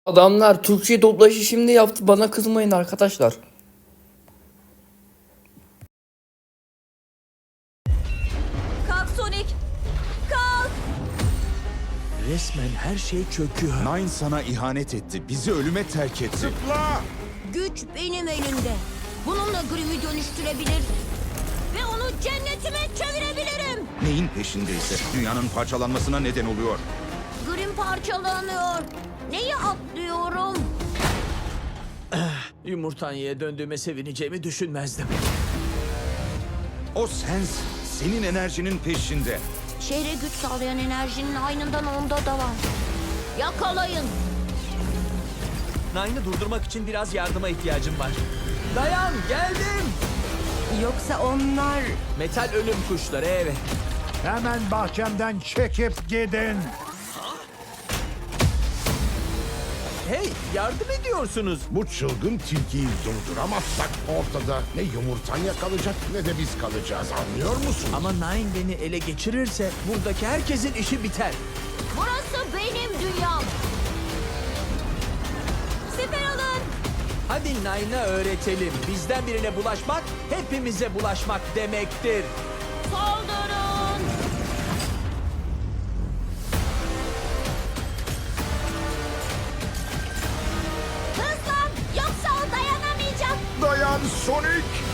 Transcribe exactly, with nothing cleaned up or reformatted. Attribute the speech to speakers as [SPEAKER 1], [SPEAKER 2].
[SPEAKER 1] Adamlar Türkçe dublajı şimdi yaptı. Bana kızmayın arkadaşlar.
[SPEAKER 2] Kalk Sonic! Kalk!
[SPEAKER 3] Resmen her şey çöküyor.
[SPEAKER 4] Nine sana ihanet etti. Bizi ölüme terk etti. Zıpla!
[SPEAKER 2] Güç benim elimde. Bununla Grimm'i dönüştürebilir ve onu cennetime çevirebilirim.
[SPEAKER 4] Neyin peşindeyse dünyanın parçalanmasına neden oluyor.
[SPEAKER 2] Grimm parçalanıyor. Neyi atlıyorum?
[SPEAKER 3] Yumurtanya'ya döndüğüme sevineceğimi düşünmezdim.
[SPEAKER 4] O sensin. Senin enerjinin peşinde.
[SPEAKER 2] Şehre güç sağlayan enerjinin aynından onda da var. Yakalayın.
[SPEAKER 3] Nine'ı durdurmak için biraz yardıma ihtiyacım var. Dayan, geldim.
[SPEAKER 5] Yoksa onlar...
[SPEAKER 3] Metal ölüm kuşları, evet.
[SPEAKER 6] Hemen bahçemden çekip gidin.
[SPEAKER 3] Hey, yardım ediyorsunuz.
[SPEAKER 7] Bu çılgın tilkiyi durduramazsak ortada ne yumurtanya kalacak ne de biz kalacağız, anlıyor musun?
[SPEAKER 3] Ama Nine beni ele geçirirse buradaki herkesin işi biter.
[SPEAKER 2] Burası benim dünyam. Siper alın.
[SPEAKER 3] Hadi Nine'a öğretelim. Bizden birine bulaşmak, hepimize bulaşmak demektir.
[SPEAKER 2] Saldırın. Hızlan yoksa o dayanamayacak.
[SPEAKER 7] Dayan Sonic!